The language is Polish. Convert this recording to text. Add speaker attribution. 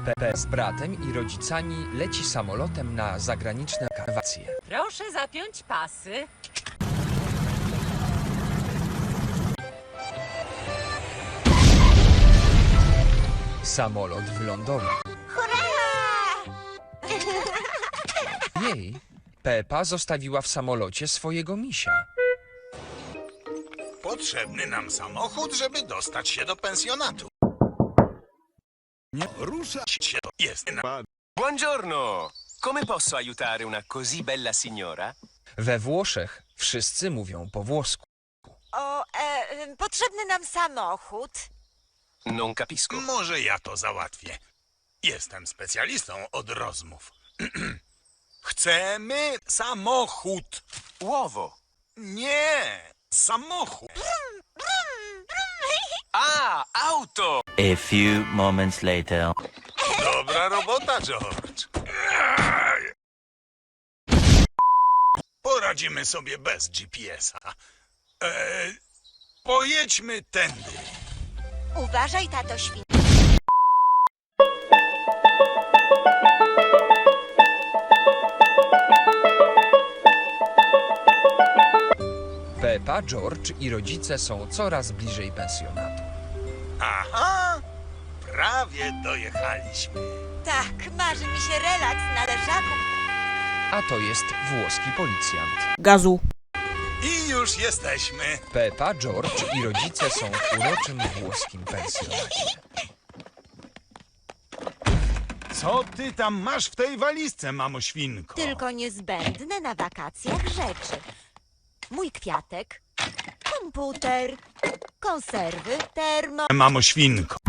Speaker 1: Pepe z bratem i rodzicami leci samolotem na zagraniczne wakacje.
Speaker 2: Proszę zapiąć pasy.
Speaker 1: Samolot wylądował. Jej, Pepa zostawiła w samolocie swojego misia.
Speaker 3: Potrzebny nam samochód, żeby dostać się do pensjonatu.
Speaker 4: Nie ruszać się.
Speaker 3: Jest na...
Speaker 5: Buongiorno! Come posso aiutare una così bella signora?
Speaker 1: We Włoszech wszyscy mówią po włosku.
Speaker 6: Potrzebny nam samochód.
Speaker 5: Non capisco.
Speaker 3: Może ja to załatwię. Jestem specjalistą od rozmów. Chcemy samochód.
Speaker 5: Uovo.
Speaker 3: Nie, samochód.
Speaker 5: Ah, auto!
Speaker 7: A few moments later.
Speaker 3: Dobra robota, George. Poradzimy sobie bez GPS-a. Pojedźmy tędy.
Speaker 6: Uważaj, tato świn.
Speaker 1: Pepa, George i rodzice są coraz bliżej pensjonatu.
Speaker 3: Aha, prawie dojechaliśmy.
Speaker 6: Tak, marzy mi się relaks na leżaku.
Speaker 1: A to jest włoski policjant.
Speaker 8: Gazu.
Speaker 3: I już jesteśmy.
Speaker 1: Pepa, George i rodzice są w uroczym włoskim pensjonacie.
Speaker 3: Co ty tam masz w tej walizce, mamo świnko?
Speaker 6: Tylko niezbędne na wakacjach rzeczy. Mój kwiatek, komputer, konserwy, termo...
Speaker 3: Mamo świnko.